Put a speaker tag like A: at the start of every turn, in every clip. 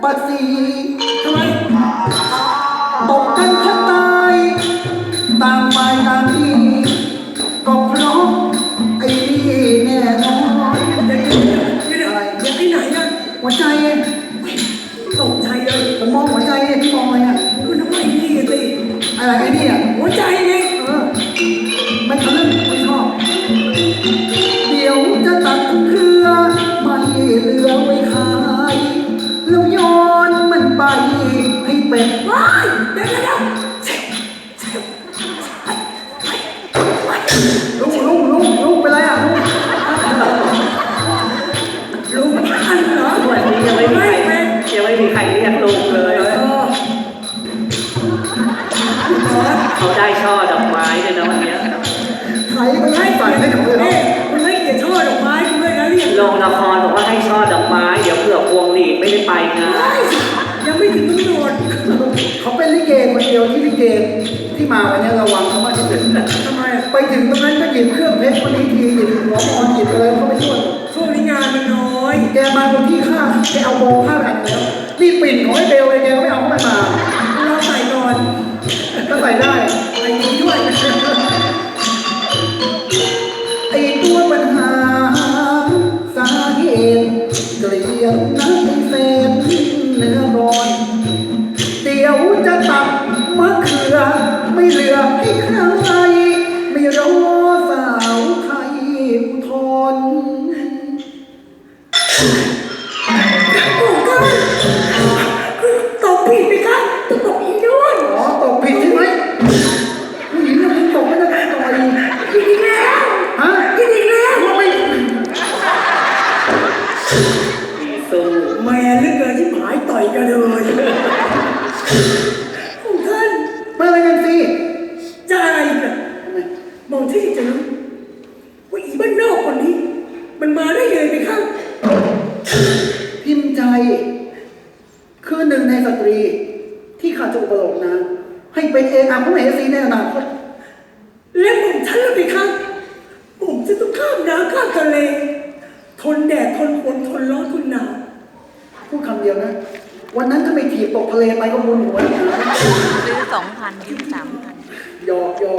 A: ปัสสี
B: ทำไม
A: ตกกันแทบตายต่างฝ่ายต่างที่ก็เพราะไอ้นี่แน่นอน
B: อะไรยังที่ไหนนะ
A: หัวใจ
B: ตกใจเลย
A: ผมมองหัวใจพี่มองอะไรอ่ะ
B: คุณทำไมนี่สิ
A: อะไรไอ้นี่อ่ะ
B: หัวใจไง
A: มันทะลึ่งไม่ชอบเดี๋ยวจะตัดเครือไม่เหลือไว้ขายแล้วโยนมันไปให้เป็ด
B: ว้ายเดี๋ยว
A: ลุงเป็นไรอ่ะ
B: ลุงทันเหรอ
C: วันนี้ยังไม่มีใครเรียกลุงเลยเขาได้ช่อดอกไม้เลยนะวันนี้
A: ใครก็ให้ใส่ให้กับเลย
B: คุณให้เกียรติช่อดอกไม้คุณด้วยนะเรียก
C: ลงละครบอกว่าให้ช่อดอกไม้เดี๋ยวเผื่อพวงหลีดไม่ได้ไปนะ
B: ยังไม่ถึงกำหนด
A: เขาเป็นลิเกคนเดียวที่ลิเกที่มาวันนี้ระวังเขามากที่สุด
B: ทำไม
A: ไปถึงตรงนั้นก็หยิบเครื่องเพชรคนนี้ทีหยิบหัวมอนหยิบอะไรเขาไม่ช่วย
B: ช่วงนี้งานมันน้อย
A: แกมาคนที่ข้าแกเอาโบข้าแบบแล้วนี่ปิ่นของไอ้เบลเลยแกไม่เอาเข้ามา
B: เราใส่ก่อน
A: ก็ใส่ได้
B: ไอ้นี้ด้วย
A: ไอ้ตัวปัญหาสาเหตุเกลียดนักเศษเนื้อร้อนเดี๋ยวจะตัดมะเขือไม่เหลือให้ใครไม่รอสาวไทยอุทธร
B: ตกผิดไหมครับตกอีกด้วย
A: อ๋อตกผิดใช่ไหมผู้หญิงเนี่ยตกไม่ได้ต่อย
B: ผิดอีกแล้ว
A: ฮะ
B: ผิดอีกแล้ว
A: ว่าไม่
C: มีสู้
B: แม่เลือกเกินที่หมายต่อยกันเลยของท่าน
A: มาอะไรกันสิ
B: จะอะไรกันมองที่จะรู้ว่าอีบ้านนอกคนนี้มันมาได้ยังไงไปครับ
A: พิมพ์ใจคือหนึ่งในสตรีที่ข้าจะอุปโลกนะให้เป็นเอกอัครมเหสีในอนาคต
B: และผมฉันแล้วไปครับผมจะต้องข้ามน้ำข้ามทะเลทนแดดทนฝนทนร้อนทนหนาว
A: พูดคำเดียวนะวันนั้นถ้าไม่ถีบตกทะเลไปก็มุนหัว
D: ซื้อ2,000ยืม3,000
A: หยอก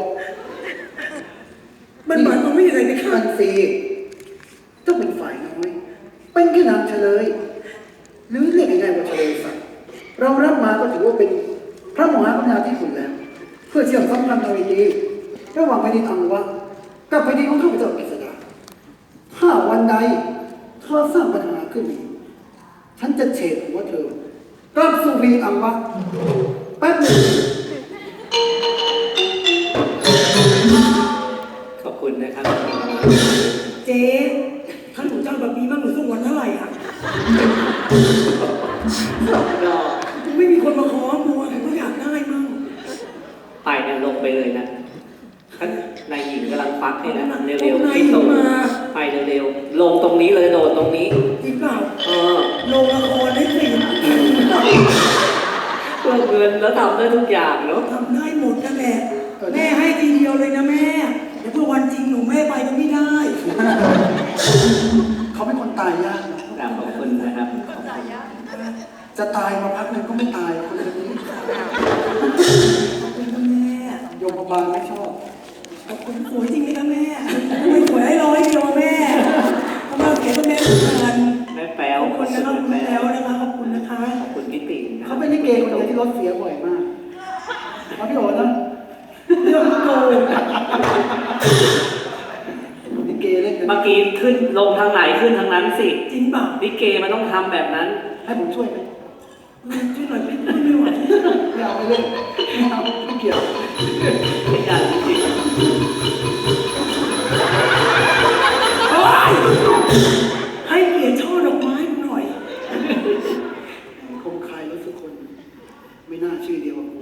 B: มันหมายความว่าอย่างไรไปครับ
A: อันซีเจ้าเป็นฝ่ายน้อยเป็นแค่นางเฉลยหรือเรียกง่ายๆว่าเฉลยสัตว์เรารับมาก็ถือว่าเป็นพระมหากรุณาธิคุณแล้วเพื่อเชื่อมสัมพันธ์ทวีดีระหว่างแผ่นดินอังวะกับแผ่นดินของข้าพเจ้ากฤษดาถ้าวันใดเธอสร้างปัญหาขึ้นฉันจะเฉดหัวเธอกลับสู่แผ่นดินอังวะแป๊บหนึ่ง
C: ขอบคุณนะครับ
B: เจ๊ท่านหนูเจ้าแบบนี้บ้างหนูต้องวันเท่าไหร่อ่ะไม่มีคนมาขอมัวก็อยากได้มั่ง
C: ไปเนี่ยลงไปเลยนะนายหญิงกำลังฟักให้นะเร็วๆที่ตรงไปเร็วๆลงตรงนี้เลยโดดตรงนี้
B: จริงเปล่าลงละครได้สิ
C: เพื่อเงินแล้วทำได้ทุกอย่างเนาะ
B: ทำได้หมดนั่นแหละแม่ให้ทีเดียวเลยนะแม่แต่เพื่อวันจริงหนูแม่ไปก็ไม่ได้
A: เขาเป็นคนตายยากนะ
C: ขอบคุณนะครับ
A: จะตายมาพักหนึ่งก็ไม่ตายคนนี้
B: แม่
A: โยมบาลไม่ชอบ
B: ขอบคุณสวยจริงไหมคะแม่ไม่สวยให้ร้อยเดียวแม่ทำไมเสียก็แม่ทุกคน
C: แม่แป๊ว
B: ขอบคุณนะครับแม่แป๊วนะคะขอบคุณนะคะ
C: ขอบคุณพี่ติ๋ม
A: เขาเป็นลิเกคนเดียวที่รถเสียบ่อยมากเขาพี่โอ๋นะเรื่องโกลิเกเล่น
C: เมื่อกี้ขึ้นลงทางไหนขึ้นทางนั้นสิ
B: จริงป่ะ
C: ลิเกมันต้องทำแบบนั้น
A: ให้ผมช่วยไหม
B: ช่วยหน่อยไม่ไหว
A: ไม่เอาไม่เล่นไม่เอาไม่เกี่ยว
C: ไม่ได้จริง
B: ให้เกียรติช่อดอกไม้หน่อย
A: คงใครแล้วทุกคนไม่น่าชื่อเดียวกับกู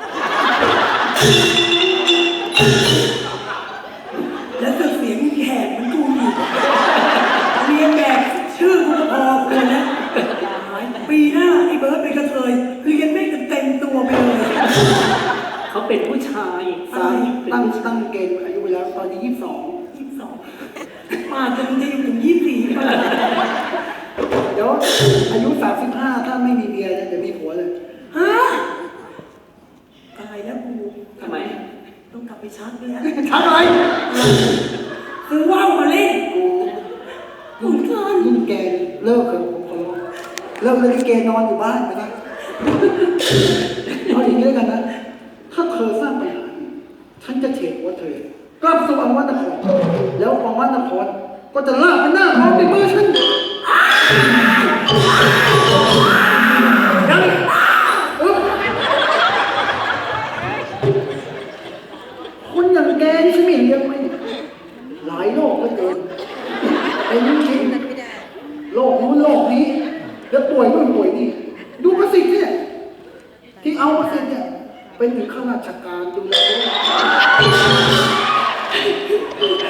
B: แล้วเสียงแหบมันกูอยู่เรียนแบบชื่อกูพอคนนะปีหน้าไอ้เบิร์ดเป็นกระเทยเรียนไม่เต็มตัวไปเลย
C: เขาเป็นผู้ชาย
A: ตั้งเกณฑ์อายุเวลาตอนนี้22
B: มาจนจะอยู่ถึง24ป่ะ
A: เดี๋ยวดี๋ยวอายุ35ถ้าไม่มีเมียเนี่ยจะมีผัวเลย
B: ฮะตายแล้วกู
C: ทำไม
B: ต้องกลับไปชักแล้ว
A: ชักอะไร
B: คือว่าวมาเล่น
A: กู
B: เหมือนกัน
A: ยิ่งแกเลิกเถอะผมขอร้องเลิกเลยที่แกนอนอยู่บ้านไปนะเอาอย่างนี้แล้วกันนะ ถ้าเธอสร้างปัญหาฉันจะเฉดหัวเธอกลับสู่วังวัดนครแล้ววังวัดนครก็จะลากเป็นหน้าท้องในมือฉันยังคนอย่างแกนี่ฉันไม่เลี้ยงไหมหลายโลกเหลือเกินเป็นจริงโลกนู้นโลกนี้แล้วป่วยนู่นป่วยนี่ดูประสิทธิ์เนี่ยที่เอาประสิทธิ์เนี่ยเป็นถึงข้าราชการดูแล